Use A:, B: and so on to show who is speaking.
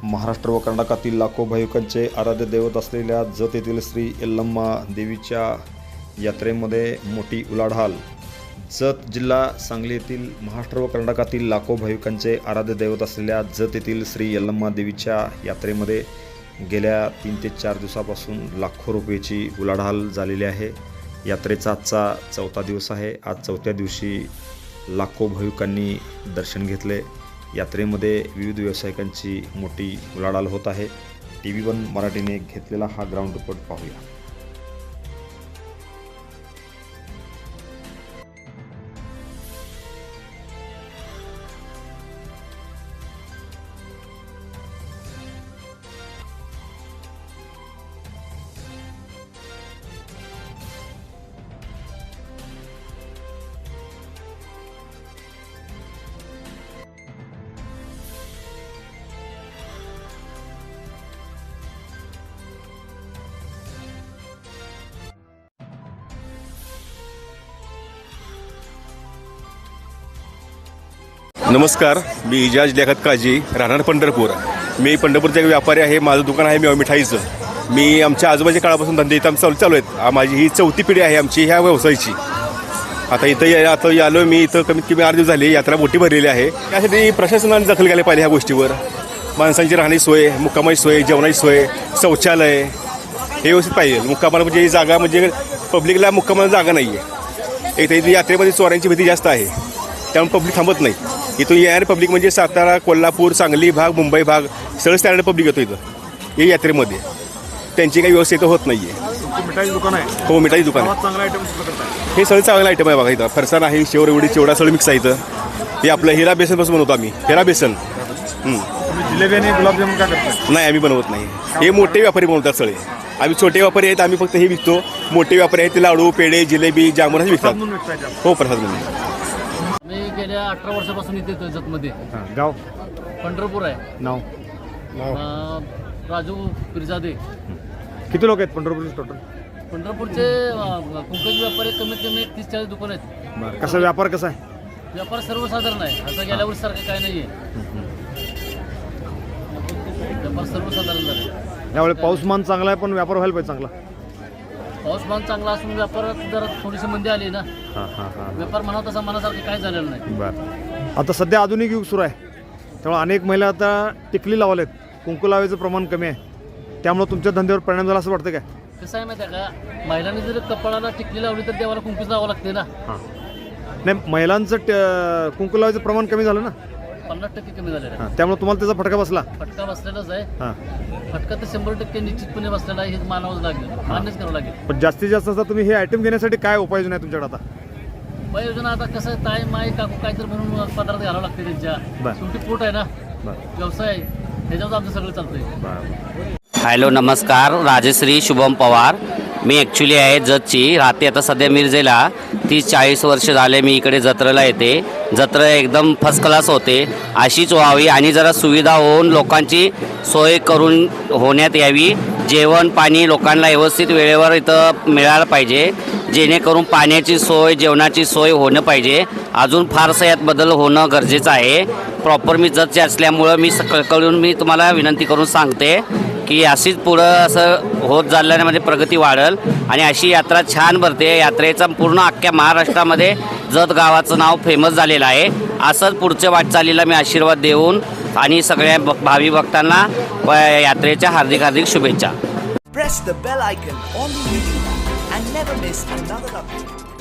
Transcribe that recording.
A: महाराष्ट्र व कर्नाटकातील लाखो भाविकांचे आराध्य दैवत असलेल्या जत येथील श्री यल्लम्मा देवीच्या यात्रेमध्ये मोठी उलाढाल। जत जिल्हा सांगली येथील महाराष्ट्र व कर्नाटकातील लाखो भाविकांचे आराध्य दैवत असलेल्या जत येथील श्री यल्लम्मा देवीच्या यात्रेमध्ये गेल्या 3 ते 4 दिवसापासून लाखो रुपयाची उलाढाल झालेली आहे। यात्रेचा आजचा 4था दिवस आहे। आज 4थ्या दिवशी लाखो भाविकांनी दर्शन घेतले। यात्रेमध्ये विविध व्यावसायिकांची मोठी उलाढाल होत आहे। TV1 मराठीने घेतलेला हा ग्राउंड रिपोर्ट पाहूया।
B: नमस्कार, मी इजाज लेखत काजी, राहणार पंढरपूर। मी पंढरपूरचा एक व्यापारी आहे। माझं दुकान आहे मेवा मिठाईचं। मी आमच्या आजोबाच्या काळापासून धंदे इथं चालू आहेत। माझी ही 4थी पिढी आहे आमची ह्या व्यवसायाची। आता आलो मी इथं कमीत कमी 8 दिवस झाले। यात्रा मोठी भरलेली आहे। त्यासाठी प्रशासनाने दखल घ्यायला पाहिजे ह्या गोष्टीवर। माणसांची राहण्याची सोय, मुक्कामाची सोय, जेवणाची सोय, शौचालय हे व्यवस्थित पाहिजे। मुक्कामाला म्हणजे जागा म्हणजे पब्लिकला मुक्कामाला जागा नाही आहे। इथं यात्रेमध्ये चोऱ्यांची भीती जास्त आहे, त्यामुळे पब्लिक थांबत नाही। इथून येणारे पब्लिक म्हणजे सातारा, कोल्हापूर, सांगली भाग, मुंबई भाग सगळं स्टँडर्ड पब्लिक येतो इथं या यात्रेमध्ये। त्यांची काही व्यवस्था इथं होत नाही आहे।
A: मिठाई दुकान आहे?
B: हो, मिठाई दुकान आहे।
A: चांगला आयटम
B: हे सगळं चांगलं आयटम आहे बघा। इथं फरसाण आहे, शेव एवढी चिवडा सगळं मिक्स आहे इथं। हे आपलं हिरा बेसनपासून बनवतो आम्ही, हिरा बेसन।
A: जिलेबी आणि गुलाबजामुन काय करतो?
B: नाही, आम्ही बनवत नाही। हे मोठे व्यापारी बनवतात सगळे। आम्ही छोटे व्यापारी आहेत, आम्ही फक्त हे विकतो। मोठे व्यापारी आहेत ते लाडू, पेढे, जिलेबी, जामुन हे विकतात। हो, प्रसाद म्हणून।
C: मी गेल्या 18 वर्षापासून इथे येतो जतमध्ये।
A: गाव
C: पंढरपूर आहे।
A: नाव?
C: राजू पिरजादे।
A: किती लोक आहेत पंढरपूरचे टोटल?
C: पंढरपूरचे कुंकज व्यापारी कमीत कमी 30-40 दुकान आहेत।
A: कसा व्यापार कसा आहे?
C: व्यापार सर्वसाधारण आहे, असं गेल्या वर्षी सारखं काय नाही आहे। व्यापार सर्वसाधारण झाला।
A: यावेळी पाऊसमान चांगला आहे, पण व्यापार व्हायला पाहिजे चांगला।
C: पाऊसमान चांगला असून व्यापारात जरा थोडीशी मंदी आली ना। व्यापार म्हणा तसा मनासारखं काय झालेलं नाही।
A: बरं, आता सध्या आधुनिक युग सुरू आहे, त्यामुळे अनेक महिला आता टिकली लावलेत। कुंकू लावायचं प्रमाण कमी आहे, त्यामुळे तुमच्या धंद्यावर परिणाम झाला असं वाटतं काय?
C: कसं आहे माहिती आहे का, महिलांनी जर कपाळाला टिकली लावली तर देवाला कुंकूच लावावं लागते ना।
A: नाही, महिलांचं कुंकू लावायचं प्रमाण कमी झालं ना?
C: 50% कमी झालेलं आहे।
A: त्यामुळे तुम्हाला त्याचा फटका बसला?
C: फटका बसलेलाच आहे। फटका तर 100% निश्चितपणे बसलेला आहे, हे मानावंच लागेल, मान्यच करावं लागेल।
A: पण जास्तीत जास्त आता तुम्ही हे आयटम घेण्यासाठी काय उपाययोजना आहे तुमच्याकडे आता?
C: उपाययोजना आता कसं ताई माई काकू काहीतरी म्हणून पदार्थ घालावं लागते त्यांच्या। शेवटी पोट आहे ना, व्यवसाय आहे, त्याच्यावर आमचं सगळं चालतंय।
D: हॅलो, नमस्कार। राजश्री शुभम पवार। मी ॲक्च्युली आहे जतची, राहते आता सध्या मिरजेला। 30-40 वर्ष झाले मी इकडे जत्रेला येते। जत्रा एकदम फर्स्ट क्लास होते, अशीच व्हावी आणि जरा सुविधा होऊन लोकांची सोय करून होण्यात यावी। जेवण पाणी लोकांना व्यवस्थित वेळेवर इथं मिळालं पाहिजे, जेणेकरून पाण्याची सोय, जेवणाची सोय होणं पाहिजे। अजून फारसं यात बदल होणं गरजेचं आहे। प्रॉपर मी जतचे असल्यामुळं मी कळकळून मी तुम्हाला विनंती करून सांगते की अशीच पुढं असं होत चालल्यामध्ये प्रगती वाढेल आणि अशी यात्रा छान भरते। यात्रेचा पूर्ण अख्ख्या महाराष्ट्रामध्ये जत गावाचं नाव फेमस झालेलं आहे। असंच पुढच्या वाटचालीला मी आशीर्वाद देऊन आणि सगळ्या भावी भक्तांना यात्रेच्या हार्दिक शुभेच्छा।
E: Press the bell icon on the YouTube and never miss another update.